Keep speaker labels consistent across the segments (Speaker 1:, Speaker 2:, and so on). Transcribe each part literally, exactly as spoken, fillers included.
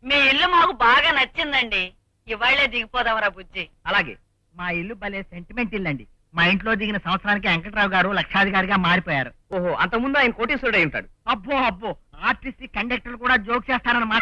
Speaker 1: మీ ఇల్లు మాకు బాగా నచ్చిందండి. ఇవాళ్లే దిగిపోదామరా బుజ్జి.
Speaker 2: అలాగే. మా ఇల్లు భలే సెంటిమెంట్ ఇల్లు అండి. మా ఇంట్లో దిగిన సంవత్సరానికి వెంకట్రావు గారు లక్షాధికారిగా మారిపోయారు.
Speaker 3: ఓహో, అంతకుముందు ఆయన కోటేశ్వరుడు అయి ఉంటాడు.
Speaker 2: అబ్బో అబ్బో, ఆర్టిస్ట్ కండక్టర్ కూడా జోక్ చేస్తారన్నమాట.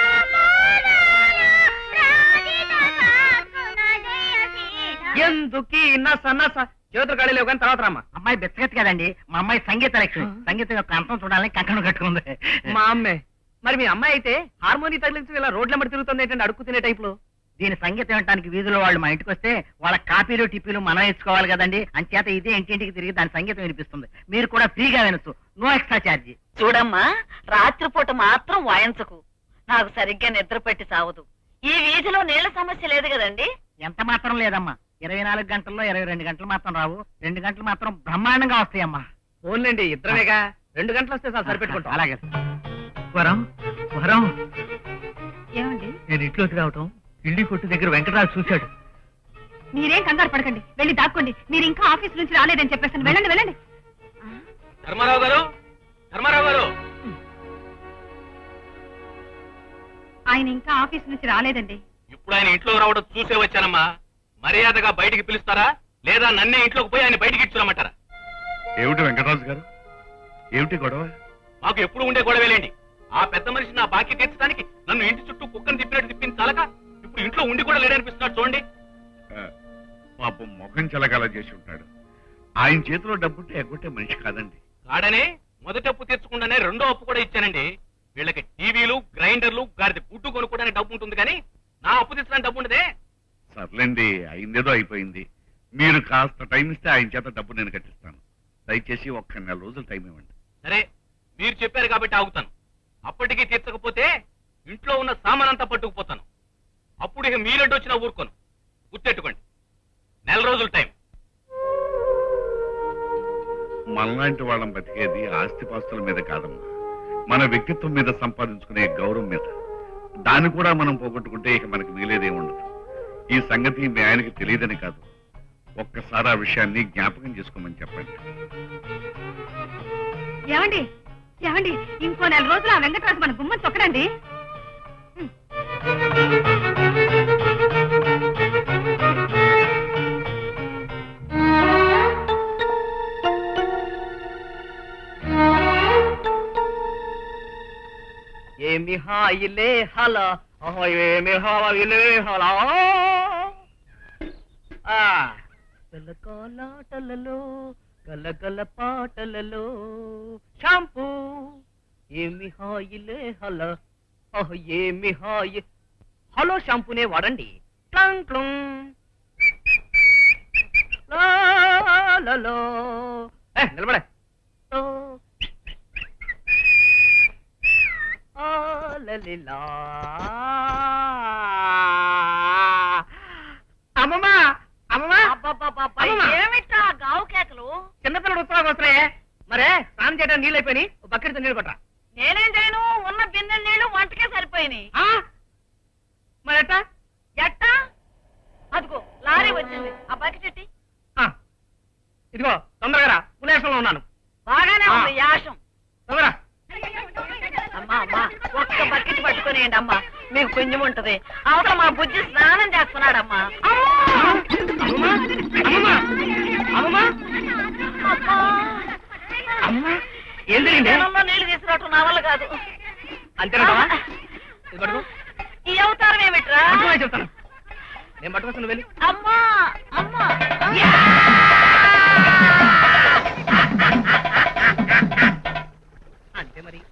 Speaker 3: ఎందుకీ నస నస చేతులు కడలేవు కానీ తర్వాత రామ్మా.
Speaker 2: అమ్మాయి బెచ్చగతి కదండి. మా అమ్మాయి సంగీత లక్ష్మి. సంగీతం యొక్క అంతం చూడాలని కంకణం కట్టుకుంది.
Speaker 3: మా అమ్మే. మరి మీ అమ్మాయి అయితే హార్మోని తగిలించి ఇలా రోడ్ల మడి తిరుగుతుంది ఏంటంటే అడుక్కు తినే టైప్ లో.
Speaker 2: దీని సంగీతం వినడానికి వీధిలో వాళ్ళు మా ఇంటికి వస్తే వాళ్ళ కాపీలు టిప్పీలు మనం ఇచ్చుకోవాలి కదండి. అంచేత ఇదే ఇంటింటికి తిరిగి దాని సంగీతం వినిపిస్తుంది. మీరు కూడా ఫ్రీగా వినొచ్చు, నో ఎక్స్ట్రా ఛార్జీ.
Speaker 1: చూడమ్మా, రాత్రిపూట మాత్రం వాయించకు. నాకు సరిగ్గా నిద్ర పెట్టి సావదు. ఈ వీధిలో నీళ్ల సమస్య లేదు కదండి.
Speaker 2: ఎంత మాత్రం లేదమ్మా. ఇరవై నాలుగు గంటల్లో ఇరవై రెండు గంటలు మాత్రం రావు. రెండు గంటలు మాత్రం బ్రహ్మాండంగా వస్తాయమ్మా.
Speaker 3: ఓన్లేండి, ఇద్దరమేగా. రెండు గంటలు వస్తే చాలు, సరిపెట్టుకుంటాం.
Speaker 2: అలాగే. వరం వరం,
Speaker 1: ఏమండి?
Speaker 2: నేను ఇంట్లోకి రావటం ఇల్లి కొట్టు దగ్గర వెంకటరాజు చూశాడు.
Speaker 1: మీరేం కంగారు పడకండి, వెళ్ళి దాక్కోండి. మీరు ఇంకా ఆఫీస్ నుంచి రాలేదని చెప్పేస్తాను. వెళ్ళండి వెళ్ళండి.
Speaker 3: ధర్మారావు గారు, ధర్మారావు గారు.
Speaker 1: ఆయన ఇంకా ఆఫీస్ నుంచి రాలేదండి.
Speaker 4: ఇప్పుడు ఆయన ఇంట్లో రావడం చూసే వచ్చానమ్మా. మర్యాదగా బయటికి పిలుస్తారా లేదా నన్నే ఇంట్లోకి పోయి ఆయన బయటికి ఇచ్చురమ్మంటారా?
Speaker 5: ఏమిటి వెంకటరాజు గారు, ఏమిటి గొడవ?
Speaker 4: మాకు ఎప్పుడు ఉండే గొడవేలేండి. ఆ పెద్ద మనిషి నా బాకీ తీర్చడానికి నన్ను ఇంటి చుట్టూ కుక్కను తిప్పినట్టు తిప్పింది చాలక ఇప్పుడు ఇంట్లో ఉండి కూడా లేడనిపిస్తున్నాడు చూడండి.
Speaker 5: పాపం ముఖం చెలగాల చేసి ఉంటాడు. ఆయన చేతిలో డబ్బుంటే ఎగ్గొట్టే మనిషి కాదండి.
Speaker 4: కాడనే మొదటి అప్పు తీర్చకుండానే రెండో అప్పు కూడా ఇచ్చానండి. వీళ్ళకి టీవీలు, గ్రైండర్లు, గారిది గుడ్డు కొనుక్కోవడానికి డబ్బు ఉంటుంది కానీ నా అప్పు తీర్చడానికి డబ్బు ఉండదే.
Speaker 5: సర్లేండి, అయిందేదో అయిపోయింది. మీరు కాస్త టైం ఇస్తే ఆయన చేత డబ్బు నేను కట్టిస్తాను. దయచేసి ఒక్క నెల రోజులు టైం ఇవ్వండి.
Speaker 4: సరే, మీరు చెప్పారు కాబట్టి ఆగుతాను. అప్పటికీ తీర్చకపోతే ఇంట్లో ఉన్న సామానంతా పట్టుకుపోతాను. అప్పుడు ఇక మీరెడ్డు వచ్చినా ఊరుకోను. గుర్తెట్టుకోండి, నెల రోజులు టైం.
Speaker 5: మనలాంటి వాళ్ళం బతికేది ఆస్తిపాస్తుల మీద కాదమ్మా, మన వ్యక్తిత్వం మీద సంపాదించుకునే గౌరవం మీద. దాన్ని కూడా మనం పోగొట్టుకుంటే ఇక మనకు మిగిలేదేముండదు. ఈ సంగతి మీ ఆయనకి తెలియదని కాదు, ఒక్కసారి ఆ విషయాన్ని జ్ఞాపకం చేసుకోమని చెప్పండి.
Speaker 1: ఏమండి ఏమండి, ఇంకో నెల రోజులు ఆ వెంకటరాజు మన గుమ్మని తొక్కడండి.
Speaker 3: ఏమి హాయిలే హలా, ఏమి హాయిలే హలా. కలకాలాటలలో కలకల పాటలలో షాంపూ ఏమి హాయిలే హలా, ఏమి హాయి. హలో షాంపూనే వాడండి. క్లంగ్ క్లుంగ్ లాలలో. నిలబడే. అమ్మమ్మా అమ్మమ్మా,
Speaker 1: ఏమిటా గావు కేకలు?
Speaker 3: చిన్నపిల్లడు ఉత్సవానికి వస్తున్నాయే. మరే స్నానం చేయడానికి నీళ్ళు అయిపోయి బకెట్తో నీళ్ళు కొట్టరా.
Speaker 1: నేనేం చేయను, ఉన్న బిన్నె నీళ్లు వంటకే సరిపోయినాయి.
Speaker 3: మరెట్టా
Speaker 1: ఎట్టా? అదిగో లారీ వచ్చింది, ఆ బకెట్ ఎట్టి.
Speaker 3: ఇదిగో తొందరగా పులేశంలో ఉన్నాను.
Speaker 1: బాగానే ఉంది యాషం.
Speaker 3: తొందరగా.
Speaker 1: అమ్మా అమ్మా, ఒక్క బకెట్ పట్టుకునేయండి అమ్మా, మీకు పుణ్యం ఉంటది. అవతల మా బుజ్జి స్నానం చేస్తున్నాడమ్మా.
Speaker 3: ఏం జరిగింది?
Speaker 1: నీళ్లు తీసుకురావటం నా వల్ల కాదు.
Speaker 3: అంతేనా?
Speaker 1: ఈ అవతారం ఏమిట్రా?
Speaker 3: చెప్తాను, నేను పట్టుకొస్తాను వెళ్ళి.
Speaker 1: అమ్మా అమ్మా,
Speaker 3: అంతే మరి.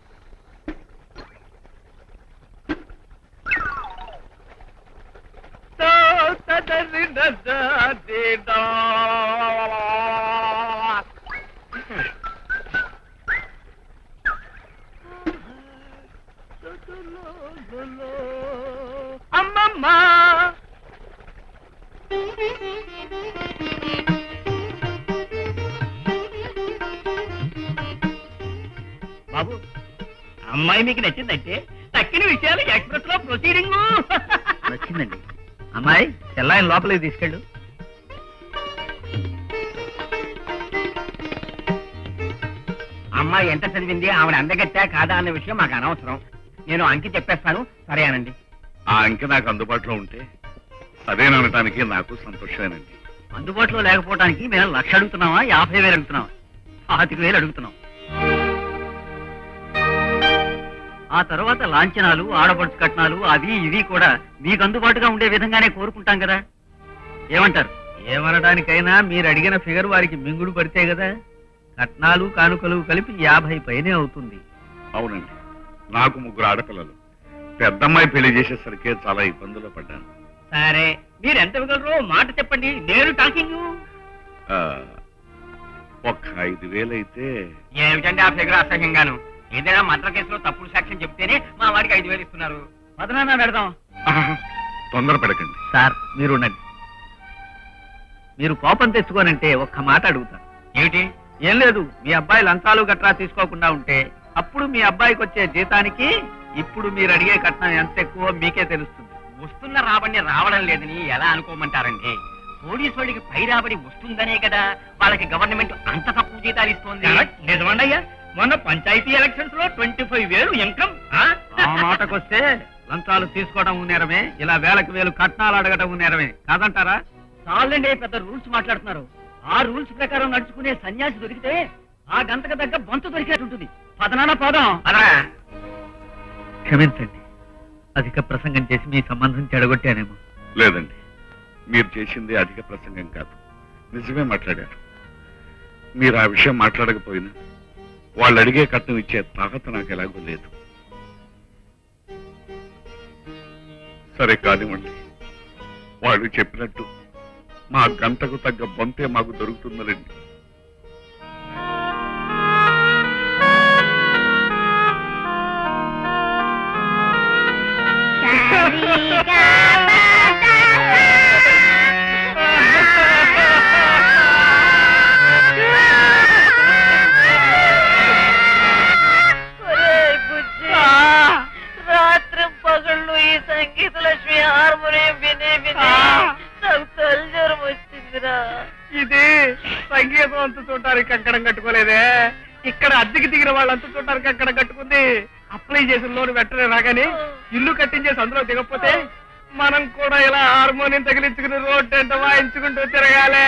Speaker 3: అమ్మమ్మా బాబు, అమ్మాయి మీకు నచ్చిందంటే తక్కిన విషయాలు ఎక్స్ప్రెస్ లో ప్రొసీడింగ్.
Speaker 2: నచ్చిందండి. అమ్మాయి చెల్లాయిని లోపలికి తీసుకెళ్ళు. అమ్మాయి ఎంత చదివింది, ఆవిడ అందగట్టా కాదా అన్న విషయం మాకు అనవసరం.
Speaker 3: నేను అంకి చెప్పేస్తాను సరే అనండి.
Speaker 5: ఆ అంకె నాకు అందుబాటులో ఉంటే సరేననటానికి నాకు సంతోషమేనండి.
Speaker 2: అందుబాటులో లేకపోవడానికి మేము లక్ష అడుగుతున్నావా యాభై వేలు అడుగుతున్నావా పాతిక వేలు అడుగుతున్నాం. ఆ తర్వాత లాంఛనాలు ఆడపడుచు కట్నాలు అవి ఇవి కూడా మీకు అందుబాటుగా ఉండే విధంగానే కోరుకుంటాం కదా, ఏమంటారు?
Speaker 3: ఏమనడానికైనా మీరు అడిగిన ఫిగర్ వారికి మింగుడు పడితే కదా. కట్నాలు కానుకలు కలిపి యాభై పైనే అవుతుంది.
Speaker 5: అవునండి, నాకు ముగ్గురు ఆడపిల్లలు. పెద్దమ్మాయి పెళ్లి చేసేసరికి చాలా ఇబ్బందులు పడ్డాను.
Speaker 3: సరే మీరు ఎంత ఇవ్వగలరో మాట చెప్పండి, నేను టాకింగ్.
Speaker 5: ఆ, ఒక్క ఐదు వేలు అయితే
Speaker 3: ఏమిటండి ఆ ఫిగర్ అసహ్యంగాను? ఏదైనా మర్డర్ కేసులో తప్పుడు సాక్ష్యం చెప్తేనే మా వాడికి ఐదు వేలు ఇస్తున్నారు.
Speaker 2: పదనాన్న పెడదాం.
Speaker 5: ఆహా, తొందర పెడకండి.
Speaker 3: సార్ మీరు ఉండండి. మీరు కోపం తెచ్చుకోనంటే ఒక్క మాట అడుగుతా.
Speaker 4: ఏమిటి?
Speaker 3: ఏం లేదు, మీ అబ్బాయి లంచాలు గట్రా తీసుకోకుండా ఉంటే అప్పుడు మీ అబ్బాయికి వచ్చే జీతానికి ఇప్పుడు మీరు అడిగే కట్నం ఎంత ఎక్కువ మీకే తెలుస్తుంది.
Speaker 4: వస్తున్న రాబడి రావడం లేదని ఎలా అనుకోమంటారండి? పోలీసు వాళ్ళకి పై రాబడి వస్తుందనే కదా వాళ్ళకి గవర్నమెంట్ అంత తక్కువ జీతాలు ఇస్తోంది.
Speaker 3: నిజమండయ్యా, మొన్న పంచాయతీ ఎలక్షన్స్ లో ట్వంటీ ఫైవ్ వేలు ఇన్కమ్. ఆ మాటకొస్తే లంచాలు తీసుకోవడం నేరమే, ఇలా వేలకు వేలు కట్నాలు అడగడం నేరమే కాదంటారా?
Speaker 2: చాలండి పెద్ద రూల్స్ మాట్లాడుతున్నారు. ఆ రూల్స్ ప్రకారం నడుచుకునే సన్యాసి దొరికితే ఆ గంటకు తగ్గ బొంత దొరికేటుంటుంది. పదనాన్న పదం.
Speaker 3: క్షమించండి, అధిక ప్రసంగం చేసి మీ సంబంధం చెడగొట్టానేమో.
Speaker 5: లేదండి, మీరు చేసింది అధిక ప్రసంగం కాదు, నిజమే మాట్లాడారు. మీరు ఆ విషయం మాట్లాడకపోయినా వాళ్ళు అడిగే కట్నం ఇచ్చే తాకత నాకు ఎలాగో లేదు. సరే కానివ్వండి, వాళ్ళు చెప్పినట్టు మా గంటకు తగ్గ బొంతే మాకు దొరుకుతుందండి.
Speaker 1: రాత్రి పగళ్ళు ఈ సంగీత లక్ష్మి హార్మోనియం వినే వినే నాకు తల్లిజ్వరం వచ్చిందిరా.
Speaker 3: ఇది సంగీతం అంత చూడటానికి కంకణం కట్టుకోలేదే, ఇక్కడ అద్దెకి దిగిన వాళ్ళంతా చూడటానికి కంకణం కట్టుకుంది. అప్లై చేసిన లోన్ వెంటనే రాగానే ఇల్లు కట్టించేసి అందులో దిగకపోతే మనం కూడా ఇలా హార్మోనియం తగిలించుకుని రోడ్డు ఎంత వాయించుకుంటూ తిరగాలి.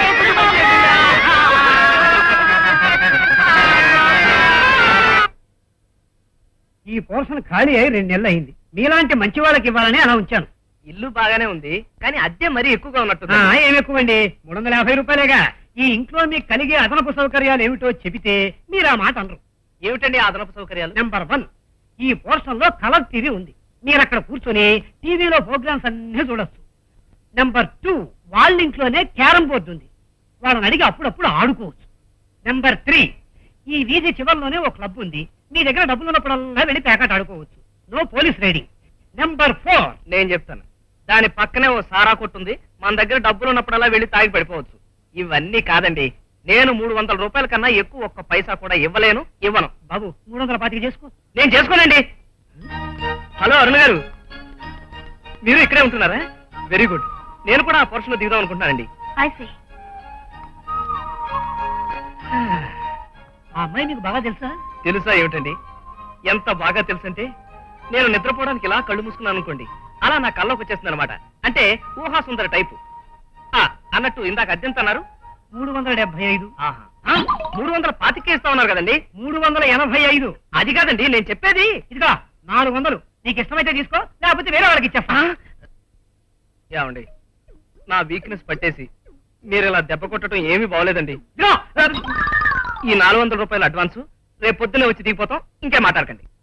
Speaker 2: ఈ పోర్షన్ ఖాళీ అయి రెండు నెలలు అయింది. మీలాంటి మంచి వాళ్ళకి ఇవ్వాలని అలా ఉంచాను.
Speaker 3: ఇల్లు బాగానే ఉంది కానీ అద్దె మరీ ఎక్కువగా ఉన్నట్టు.
Speaker 2: ఏమి ఎక్కువండి, మూడు వందల యాభై రూపాయలేగా. ఈ ఇంట్లో మీకు కలిగే అదనపు సౌకర్యాలు ఏమిటో చెబితే మీరు ఆ మాట అనరు.
Speaker 3: ఏమిటండి ఆ అదనపు సౌకర్యాలు?
Speaker 2: నెంబర్ వన్, ఈ పోర్షన్ లో కలర్ టీవీ ఉంది. మీరు అక్కడ కూర్చొని టీవీలో ప్రోగ్రామ్స్ అన్ని చూడొచ్చు. నెంబర్ టూ, వాళ్ళ ఇంట్లోనే క్యారం బోర్డు ఉంది. వాళ్ళని అడిగి అప్పుడప్పుడు ఆడుకోవచ్చు. నెంబర్ త్రీ, ఈ వీధి చివరిలోనే ఒక క్లబ్ ఉంది. మీ దగ్గర డబ్బులు ఉన్నప్పుడల్లా వెళ్ళి పేకాట ఆడుకోవచ్చు. No police raiding. Number four,
Speaker 3: నేను చెప్తాను, దాని పక్కనే ఓ సారా కొట్టుంది. మన దగ్గర డబ్బులు ఉన్నప్పుడల్లా వెళ్ళి తాగి పడిపోవచ్చు. ఇవన్నీ కాదండి, నేను మూడు వందల రూపాయల కన్నా ఎక్కువ ఒక్క పైసా కూడా ఇవ్వలేను, ఇవ్వను.
Speaker 2: బాబు మూడు వందల పాతిక చేసుకో.
Speaker 3: నేను చేసుకోనండి. హలో అరుణ్ గారు, మీరు ఇక్కడే ఉంటున్నారా? వెరీ గుడ్, నేను కూడా ఆ పోర్షన్ లో దిగుదాం అనుకుంటున్నానండి.
Speaker 2: ఆ అమ్మాయి మీకు బాగా తెలుసా?
Speaker 3: తెలుసా ఏమిటండి, ఎంత బాగా తెలుసంటే నేను నిద్రపోవడానికి ఇలా కళ్ళు మూసుకున్నాను అనుకోండి, అలా నా కళ్ళకు వచ్చేస్తుంది అనమాట. అంటే ఊహా సుందర టైపు. ఆ, అన్నట్టు ఇందాక అద్దెంత అన్నారు?
Speaker 2: మూడు వందల డెబ్బై ఐదు.
Speaker 3: మూడు వందల పాతికే ఇస్తా ఉన్నారు కదండి.
Speaker 2: మూడు వందల ఎనభై ఐదు.
Speaker 3: అది కాదండి నేను చెప్పేది.
Speaker 2: ఇదిగా నాలుగు వందలు నీకు ఇష్టమైతే తీసుకో, లేకపోతే వేరే వాళ్ళకి ఇచ్చేస్తా.
Speaker 3: ఏమండి, నా వీక్నెస్ పట్టేసి మీరు ఇలా దెబ్బ కొట్టడం ఏమీ బాగోలేదండి.
Speaker 2: ఇదిగో,
Speaker 3: ఈ నాలుగు వందల రూపాయల అడ్వాన్స్ రేపు పొద్దున్నే వచ్చి దిగిపోతాం, ఇంకే మాట్లాడకండి.